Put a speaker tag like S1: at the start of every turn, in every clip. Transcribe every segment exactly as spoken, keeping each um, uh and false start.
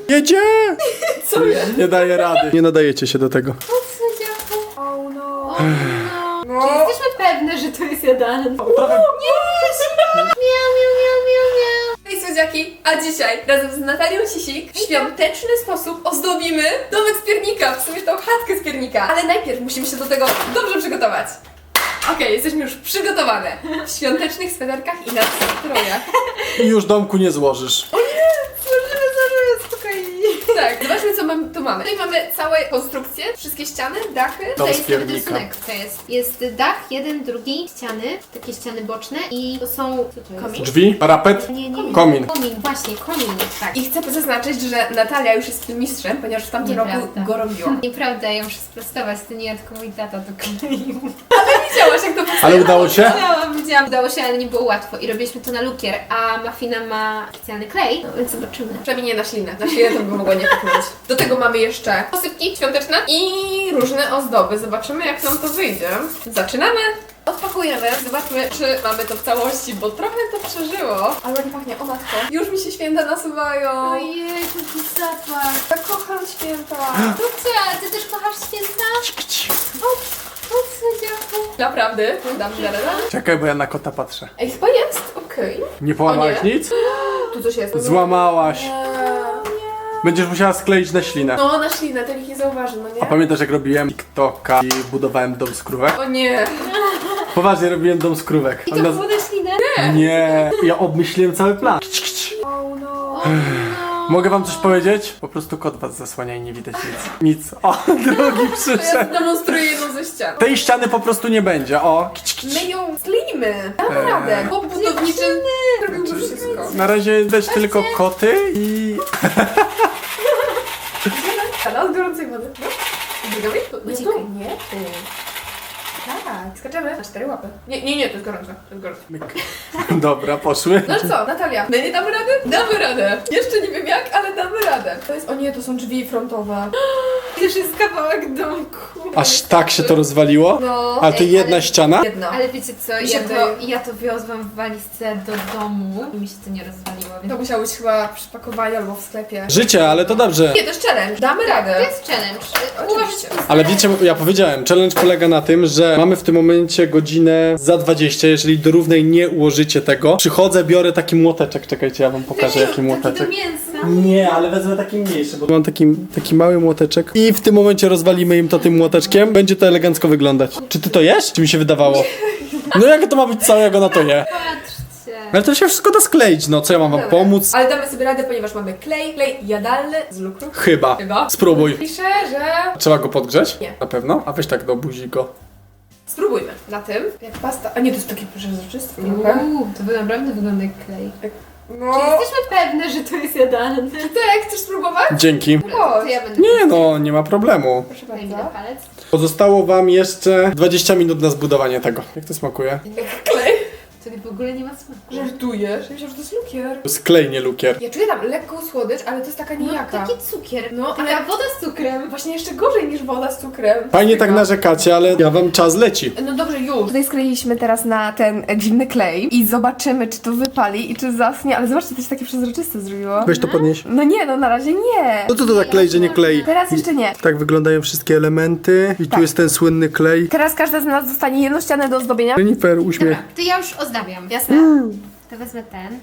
S1: Jedzie!
S2: Co jest?
S1: Nie daje rady. Nie nadajecie się do tego.
S2: Oh no.
S3: O, no.
S2: No.
S3: Czy jesteśmy pewne, że to jest jadalne?
S1: Trochę...
S3: Miau, miau, miau, miau, miau.
S2: Hej słodziaki, a dzisiaj razem z Natalią Sisik w świąteczny sposób ozdobimy domek z piernika, w sumie tą chatkę z piernika. Ale najpierw musimy się do tego dobrze przygotować. Okej, jesteśmy już przygotowane. W świątecznych sweterkach i na strojach.
S1: I już domku nie złożysz.
S3: Złożymy, złożymy, spokojnie.
S2: Tak, zobaczmy co mam, tu mamy. Tutaj mamy całe konstrukcje, wszystkie ściany, dachy.
S1: Dom
S3: To
S1: z
S3: jest cały
S1: piernika.
S3: rysunek. To jest, jest dach, jeden, drugi, ściany, takie ściany boczne i to są... Co to jest?
S2: Komin?
S1: Drzwi, parapet,
S3: Nie, nie, nie.
S1: komin.
S3: Komin, właśnie, komin, tak.
S2: I chcę zaznaczyć, że Natalia już jest filmistrzem, ponieważ w tamtym roku
S3: Nieprawda.
S2: go robiła.
S3: Nieprawda, ja muszę sprostować, to nie ja, tylko mój tata to kleił.
S2: Widziałaś jak to powstało?
S1: Ale udało się?
S3: Widziałam, widziałam. Udało się, ale nie było łatwo i robiliśmy to na lukier, a Mafina ma specjalny klej, no więc zobaczymy.
S2: Przynajmniej nie na ślinę. Na ślinę to by mogła nie pyknąć. Do tego mamy jeszcze posypki świąteczne i różne ozdoby. Zobaczymy jak nam to wyjdzie. Zaczynamy! Odpakujemy, zobaczmy czy mamy to w całości, bo trochę to przeżyło. Ale nie pachnie, o matko. Już mi się święta nasuwają.
S3: Ojej, to jest zapach.
S2: Ja kocham święta.
S3: Lucia, ty też kochasz święta? O, o, słodziaku.
S2: Naprawdę? Dam radę.
S1: Czekaj, bo ja na kota patrzę.
S2: Ej, chyba jest, okej.
S1: Nie połamałaś
S2: O nie.
S1: nic?
S2: Tu coś jest.
S1: Złamałaś.
S2: Eee,
S1: Będziesz musiała skleić na ślinę.
S2: No, na ślinę, to nikt nie zauważy, no
S1: A
S2: nie?
S1: pamiętasz jak robiłem TikToka i budowałem dom z krówek?
S2: O nie.
S1: Poważnie robiłem dom z krówek.
S3: I to
S1: On naz-
S3: było na ślinę?
S1: Nie, ja obmyśliłem cały plan.
S2: Oh no.
S3: O, no.
S1: Mogę wam coś powiedzieć? Po prostu kot was zasłania i nie widać nic. Nic. O, drugi
S2: To ja
S1: przyszedł.
S2: demonstruję jedną ze ścian.
S1: Tej ściany po prostu nie będzie. O, kić, kić.
S2: My ją skleimy. Damy
S1: Eee.
S2: radę. Chłop budowniczy robił to wszystko.
S1: Na razie widać tylko koty i...
S2: Ale od gorącej wody. No. Biegamy? Tu, nie,
S3: Uciekaj.
S2: tu. Nie, tu. Tak. Skaczemy na cztery łapy. Nie, nie, nie, to jest gorące. To jest gorące.
S1: Myk. Dobra, poszły.
S2: No co, Natalia? My nie damy rady? Damy radę. Jeszcze nie wiem jak, ale damy radę. To jest, o nie, to są drzwi frontowe.
S3: To już jest kawałek domku.
S1: Aż tak się to rozwaliło?
S2: No.
S1: A to
S3: Ej,
S1: jedna
S3: ale-
S1: ściana?
S2: Jedno.
S3: Ale wiecie co,
S2: Mi się
S3: ja to,
S2: wydaje-
S3: ja to wiozłam w walizce do domu i mi się to nie rozwaliło, więc...
S2: To musiało być chyba przy pakowaniu albo w sklepie.
S1: Życie, ale to dobrze.
S2: Nie, to jest challenge. Damy
S3: To
S2: radę.
S3: jest challenge.
S2: Oczywiście.
S3: Uważać,
S1: Ale wiecie, ja powiedziałem, challenge polega na tym, że mamy w tym momencie godzinę za dwadzieścia, jeżeli do równej nie ułożycie tego. Przychodzę, biorę taki młoteczek, czekajcie, ja wam pokażę jaki
S3: Taki
S1: młoteczek.
S3: do mięsa.
S1: Nie, ale wezmę taki mniejszy, bo mam taki, taki mały młoteczek i w tym momencie rozwalimy im to tym młoteczkiem. Będzie to elegancko wyglądać. Czy ty to jesz? Czy mi się wydawało? No jak to ma być całego na to je?
S3: Patrzcie.
S1: Ale to się wszystko da skleić, no co ja mam wam
S2: Dobra.
S1: pomóc?
S2: Ale damy sobie radę, ponieważ mamy klej, klej jadalny z lukru.
S1: Chyba.
S2: Chyba.
S1: Spróbuj.
S2: Pisze, że...
S1: Trzeba go podgrzeć?
S2: Nie.
S1: Na pewno? A weź tak do buzi go.
S2: Spróbujmy. Na tym, jak pasta... A nie, to jest takie przezroczyste trochę.
S3: Uuu, to wy naprawdę wygląda jak klej.
S2: No...
S3: Czy jesteśmy pewne, że to jest jadalne?
S2: Tak, chcesz spróbować?
S1: Dzięki.
S3: To ja będę...
S1: Nie no, nie ma problemu.
S2: Proszę
S3: Daj mi
S2: bardzo.
S3: na palec.
S1: Pozostało wam jeszcze dwadzieścia minut na zbudowanie tego. Jak to smakuje?
S2: Klej?
S3: To w ogóle nie ma smaku.
S2: Żartujesz? Myślę, że to jest lukier.
S1: To jest klej, nie lukier.
S2: Ja czuję tam lekką słodycz, ale to jest taka
S3: No,
S2: nijaka.
S3: taki cukier.
S2: No,
S3: Taka
S2: ale
S3: woda z cukrem.
S2: właśnie jeszcze gorzej niż woda z cukrem.
S1: Fajnie tak narzekacie, ale ja wam czas leci.
S2: No dobrze, już. Tutaj skleiliśmy teraz na ten dziwny klej i zobaczymy, czy to wypali i czy zasnie, ale zobaczcie, to się takie przezroczyste zrobiło.
S1: Weź to podnieś.
S2: No nie, no na razie nie.
S1: No co to za klej, że nie klei?
S2: Teraz jeszcze nie.
S1: Tak wyglądają wszystkie elementy i tu
S2: Tak.
S1: jest ten słynny klej.
S2: Teraz każda z nas dostanie jedną ścianę do ozdobienia.
S1: Jennifer, uśmiech.
S3: Dobra, to ja już ozdabiam. Jasne? To wezmę ten.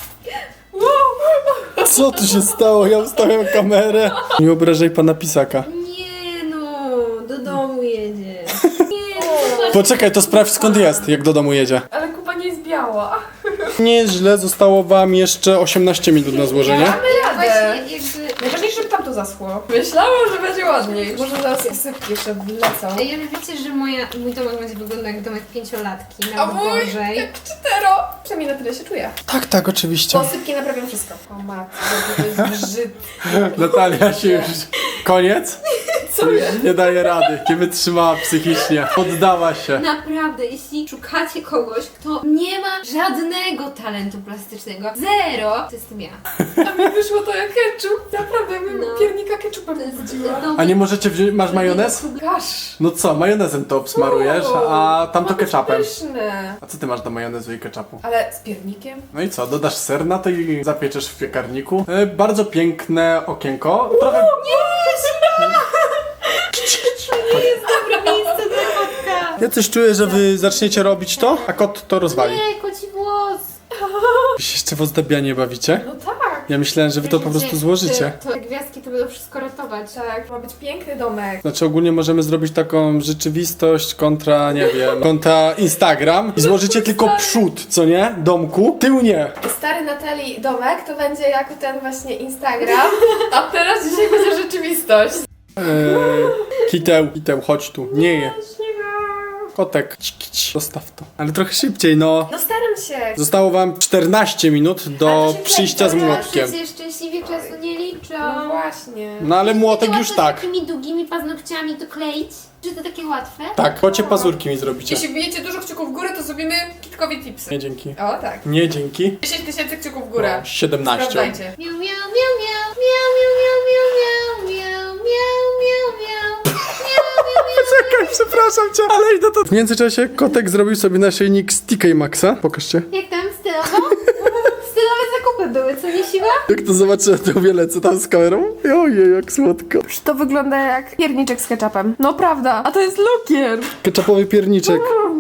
S1: Co tu się stało? Ja ustawiam kamerę. Nie obrażaj pana pisaka.
S3: Nie no, do domu jedzie. Nie no,
S1: Poczekaj, to sprawdź skąd jest, jak do domu jedzie.
S2: Ale kupa nie jest biała.
S1: Nie jest źle, zostało wam jeszcze osiemnaście minut na złożenie.
S2: Mamy radę.
S3: właśnie jakby...
S2: Najważniejsze, żeby tam to zaschło. Myślałam, że będzie ładniej. Może zaraz sypki jeszcze wlecą.
S3: Ej, ale wiecie, że moja, mój domek będzie wyglądał jak domek pięciolatki,
S2: A
S3: nawet
S2: mój
S3: gorzej.
S2: jak czytero. Przynajmniej na tyle się czuję.
S1: Tak, tak, oczywiście.
S2: Posypki naprawią wszystko. O matko, to jest brzydkie.
S1: Natalia się już... Koniec?
S2: Co jest?
S1: Nie daje rady, nie wytrzymała psychicznie. Poddała się.
S3: Naprawdę, jeśli szukacie kogoś, kto nie ma żadnego talentu plastycznego, zero, to jestem ja.
S2: A mi wyszło to jak ketchup. Naprawdę, jakbym
S3: No.
S2: piernika ketchup pewnie budziłam.
S1: A nie możecie wziąć, masz majonez?
S2: Kasz.
S1: No co, majonezem to obsmarujesz, a tam to
S2: Ma być
S1: ketchupem.
S2: pyszne.
S1: A co ty masz do majonezu i ketchupu?
S2: Ale z piernikiem?
S1: No i co, dodasz ser na to i zapieczesz w piekarniku. E, bardzo piękne okienko. Trochę...
S3: To jest dobre miejsce dla kotka.
S1: Ja coś czuję, że wy zaczniecie robić to, a kot to rozwali.
S3: Nie, koci włos.
S1: Wy się jeszcze w ozdabianie bawicie?
S2: No tak.
S1: Ja myślałem, że wy to po prostu złożycie.
S3: Te, te gwiazdki to będą wszystko ratować.
S2: Tak, ma być piękny domek.
S1: Znaczy ogólnie możemy zrobić taką rzeczywistość kontra, nie wiem, kontra Instagram i złożycie tylko przód, co nie? Domku, tył nie.
S2: Stary Natalii domek to będzie jako ten właśnie Instagram, a teraz dzisiaj będzie rzeczywistość.
S1: Eee, kiteł, kiteł, chodź tu, nie je. Kotek, Cić, cić. Zostaw to. Ale trochę szybciej, no.
S2: No staram się.
S1: Zostało wam czternaście minut
S2: Ale
S1: do
S2: to się
S1: przyjścia z
S2: kręci,
S1: młotkiem.
S3: Przecież szczęśliwie czasu nie liczą.
S2: No właśnie.
S1: No ale młotek
S3: Takie
S1: już
S3: łatwe
S1: tak.
S3: Z takimi długimi paznokciami to kleić? Czy to takie łatwe?
S1: Tak, kocie pazurki mi zrobicie.
S2: Jeśli bijecie dużo kciuków w górę, to zrobimy kitkowi tipsy.
S1: Nie dzięki.
S2: O tak.
S1: Nie dzięki.
S2: dziesięć tysięcy kciuków w górę.
S1: O, siedemnaście.
S2: Sprawdzajcie.
S3: Miau, miau, miau, miau, miau, miau, miau, miau, miau, miau, miau, miau.
S1: Czekaj, przepraszam cię, ale idę to. W międzyczasie kotek zrobił sobie naszyjnik z T K Maxa. Pokażcie.
S3: Jak tam stylowo? Stylowe zakupy były, co nie siła?
S1: Jak to zobaczę, to wiele co tam z kamerą. Ojej, jak słodko.
S2: To wygląda jak pierniczek z ketchupem. No prawda, a to jest lukier.
S1: Ketchupowy pierniczek.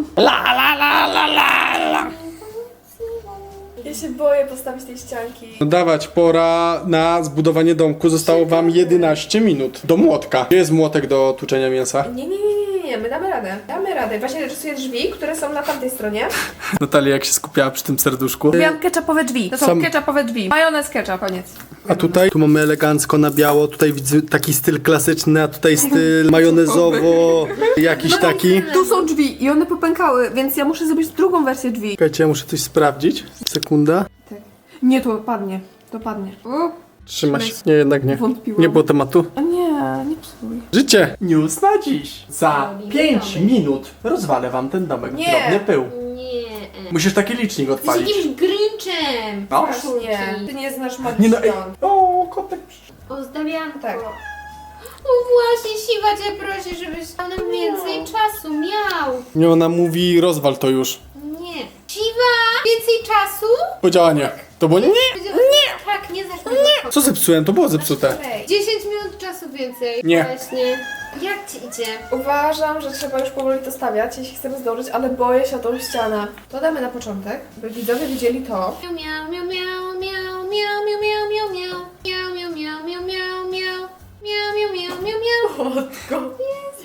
S2: Ja się boję postawić tej ścianki.
S1: No dawać, pora na zbudowanie domku. Zostało wam jedenaście minut. Do młotka. Gdzie jest młotek do tłuczenia mięsa?
S2: Nie, nie, nie, nie, nie, my damy radę. Damy radę. Właśnie rysuję drzwi, które są na tamtej stronie.
S1: Natalia jak się skupiała przy tym serduszku.
S2: Miałam ketchupowe drzwi. To są
S1: Sam-
S2: ketchupowe drzwi. Majonez, ketchup, koniec.
S1: A tutaj? Tu mamy elegancko na biało. Tutaj widzę taki styl klasyczny, a tutaj styl majonezowo. Jakiś taki.
S2: Tu są drzwi i one popękały, więc ja muszę zrobić drugą wersję drzwi.
S1: Czekajcie, ja muszę coś sprawdzić. Sekunda.
S2: Nie, to padnie. To padnie. U,
S1: Trzyma się. Nie, jednak nie.
S2: Wątpiłam.
S1: Nie było tematu.
S2: a nie, nie psuj.
S1: Życie! News na dziś. Za
S3: Robimy
S1: pięć
S3: domek.
S1: minut rozwalę wam ten domek.
S2: Nie.
S1: Drobny pył.
S3: Nie.
S1: Musisz taki licznik
S3: Jesteś
S1: odpalić.
S3: jakimś Grynchem.
S1: No.
S2: Właśnie. Ty nie znasz magii
S1: Nie no, ej.
S2: świąt.
S1: O, kotek.
S3: Ozdabianko.
S2: Tak.
S3: No właśnie, Siwa cię prosi, żebyś tam nam więcej czasu miał.
S1: Nie, ona mówi rozwal to już.
S3: Nie. Siwa! Więcej czasu?
S1: Powiedziała nie. To było nie.
S3: Nie! Tak, nie zacznę. Nie!
S1: Co zepsułem? To było zepsute.
S3: dziesięć minut czasu więcej.
S1: Nie.
S3: Właśnie. Jak ci idzie?
S2: Uważam, że trzeba już powoli to stawiać, jeśli chcemy zdążyć, ale boję się o tą ścianę. To damy na początek, by widzowie widzieli to.
S3: Miau, miau, miau, miau, miau, miau, miau, miau, miau, miau. Miau, miau, miau, miau, miau, miau. Miau, miau, miau, miau, miau.
S2: Matko.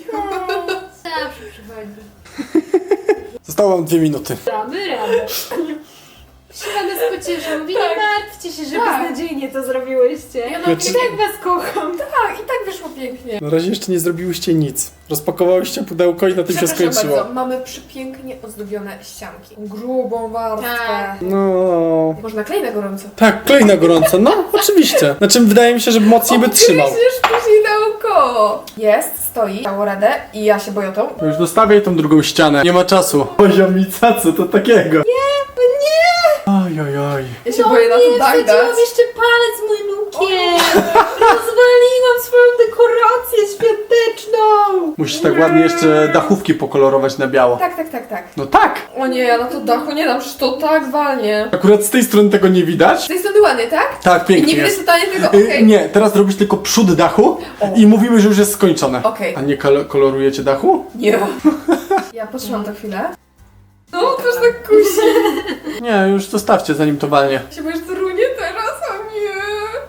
S3: Zawsze przychodzi.
S1: Zostało wam dwie minuty.
S3: Damy radę. Siwa nas pociesza. Mówi, nie martwcie się, że
S2: Tak.
S3: beznadziejnie to zrobiłyście.
S2: Ja
S3: Ja
S2: no,
S3: i tak was kocham.
S2: Tak, i tak wyszło pięknie.
S1: Na razie jeszcze nie zrobiłyście nic. Rozpakowałyście pudełko i na tym się
S2: Przepraszam
S1: skończyło.
S2: bardzo, mamy przepięknie ozdobione ścianki. Grubą warstwę.
S3: Tak.
S1: No.
S2: Można klej na gorąco.
S1: Tak, klej na gorąco. No, oczywiście. Znaczy wydaje mi się, że mocniej by trzymał.
S2: Gryziesz później naokoło. Jest, stoi, dało radę i ja się boję o tą.
S1: Już dostawiaj tą drugą ścianę. Nie ma czasu. Poziomica, co to takiego?
S3: Nie, nie.
S1: Oj, oj, oj.
S2: Ja się
S3: No
S2: boję na
S3: nie,
S2: to dach dać.
S3: wsadziłam jeszcze palec w mój lukier. Rozwaliłam swoją dekorację świąteczną.
S1: Musisz tak ładnie jeszcze dachówki pokolorować na biało.
S2: Tak, tak, tak, tak.
S1: No tak.
S2: O nie, ja na to dachu nie dam, przecież to tak walnie.
S1: Akurat z tej strony tego nie widać.
S2: Z tej strony ładnie, tak?
S1: Tak,
S2: I
S1: pięknie
S2: nie widać
S1: jest.
S2: totalnie tego,
S1: Y,
S2: okej.
S1: Nie, teraz robisz tylko przód dachu i mówimy, że już jest skończone.
S2: Okej.
S1: A nie kol- kolorujecie dachu?
S2: Nie. Ja potrzymam to chwilę. No, też tak kusi.
S1: Nie, już zostawcie zanim to walnie.
S2: Się boisz, że runie teraz, o nie.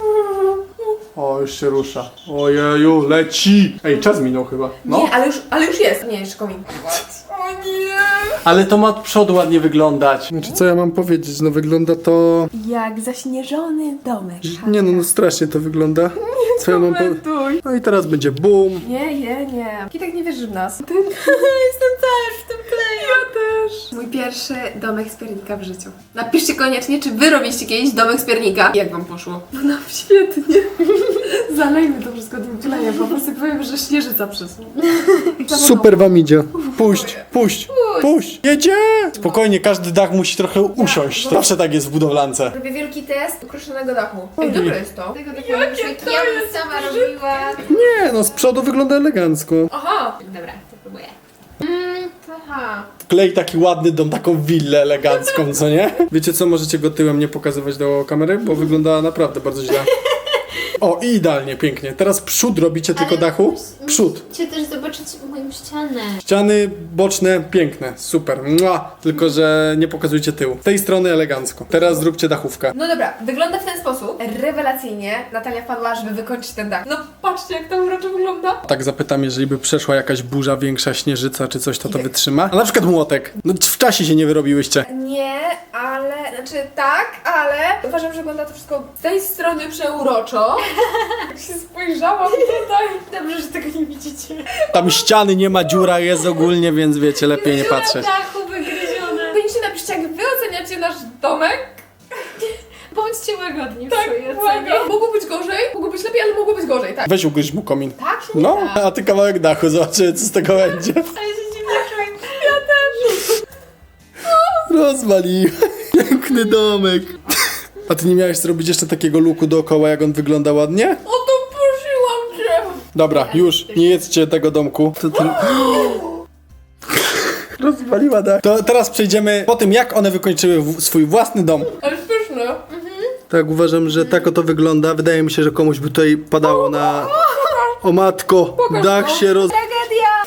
S1: O, już się rusza. Ojeju, leci! Ej, czas minął chyba. No.
S2: Nie, ale już, ale już jest. Nie, jeszcze komin. O nie.
S1: Ale to ma od przodu ładnie wyglądać. Znaczy co ja mam powiedzieć? No wygląda to...
S2: Jak zaśnieżony domek.
S1: Nie no, no strasznie to wygląda. Co ja mam po...
S2: Komentuj.
S1: No i teraz będzie boom.
S2: Nie, nie, nie. Kitek nie wierzy w nas. Ty...
S3: Jestem też w tym kleju.
S2: Ja też. Mój pierwszy domek z piernika w życiu. Napiszcie koniecznie, czy wy robiliście kiedyś domek z piernika. Jak wam poszło? No nam świetnie. Zalejmy to wszystko tym klejem. Po prostu powiem, że śnieżyca przysła.
S1: Super wam idzie. Puść, puść. Puść! Jedzie! Spokojnie, każdy dach musi trochę usiąść. Zawsze tak jest w budowlance.
S2: Robię wielki test ukruszonego dachu. Ej,
S1: Oj.
S2: dobre jest to.
S3: Tego takiego jak ja bym sama robiła.
S1: Nie, no z przodu wygląda elegancko.
S2: Aha!
S3: Dobra, to próbuję.
S2: Mm, aha.
S1: Klej taki ładny dom, taką willę elegancką, co nie? Wiecie co, możecie go tyłem nie pokazywać do kamery, bo wygląda naprawdę bardzo źle. O, i idealnie, pięknie. Teraz przód robicie tylko dachu? Przód.
S3: Chcę też zobaczyć moją ścianę.
S1: Ściany boczne, piękne, super. Mua! Tylko, że nie pokazujcie tyłu. Z tej strony elegancko. Teraz zróbcie dachówkę.
S2: No dobra, wygląda w ten sposób. Rewelacyjnie. Natalia wpadła, żeby wykończyć ten dach. No patrzcie, jak to uroczo wygląda.
S1: Tak zapytam, jeżeli by przeszła jakaś burza, większa śnieżyca czy coś, to to wytrzyma? A na przykład młotek. No w czasie się nie wyrobiłyście.
S2: Nie, ale... Znaczy tak, ale... Uważam, że wygląda to wszystko z tej strony przeuroczo. Jak się spojrzałam tutaj. Dobrze, że tego nie widzicie.
S1: Tam ściany nie ma, dziura jest ogólnie, więc wiecie, lepiej nie patrzeć.
S3: dachu wygryzione.
S2: Koniecznie napiszcie, jak wy oceniacie nasz domek.
S3: Bądźcie łagodni w
S2: Tak,
S3: swojej ocenie.
S2: uwaga. Mogło być gorzej, mogło być lepiej, ale mogło być gorzej, tak.
S1: Weź ugryź mu komin.
S2: Tak się nie
S1: No,
S2: da.
S1: a ty kawałek dachu, zobaczymy co z tego będzie.
S3: Ale się dziwnie czuję.
S2: Ja też.
S1: Rozwaliłem. Piękny domek. A ty nie miałeś zrobić jeszcze takiego luku dookoła, jak on wygląda ładnie?
S2: O to prosiłam cię.
S1: Dobra, już, nie jedzcie tego domku. To ten... Rozwaliła dach. To teraz przejdziemy po tym, jak one wykończyły w- swój własny dom.
S2: Ale pyszne.
S1: Tak, uważam, że tak oto wygląda. Wydaje mi się, że komuś by tutaj padało na... O matko, dach się roz...
S3: Tragedia!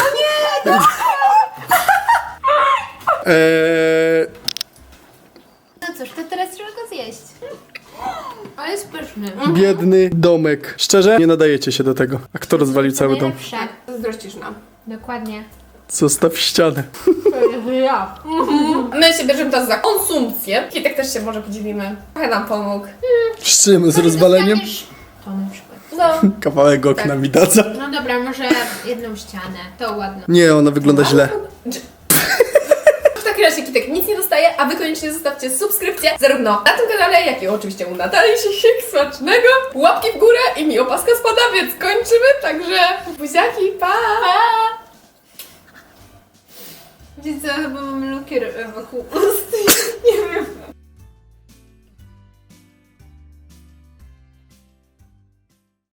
S1: Eee,
S3: No cóż, to teraz trzeba go zjeść. Ale jest pyszny.
S1: biedny domek. Szczerze? Nie nadajecie się do tego. A kto rozwalił cały dom?
S3: Najlepsze.
S2: Zazdrościsz nam.
S3: Dokładnie.
S1: Zostaw ścianę.
S2: Ja. My się bierzemy teraz za konsumpcję. Kitek też się może podzielimy. Trochę nam pomógł.
S1: Z czym? Z rozwaleniem?
S3: To na przykład.
S2: No.
S1: Kawałek okna
S2: Tak.
S1: mi daca.
S3: No dobra, może jedną ścianę. To ładno.
S1: Nie, ona wygląda źle.
S2: W takim razie Kitek nic nie dostaje, a wy koniecznie zostawcie subskrypcję zarówno na tym kanale, jak i oczywiście u Natalii się smacznego. Łapki w górę i mi opaska spada, więc kończymy. Także buziaki, pa!
S3: Wiecie co, chyba mam lukier wokół ust.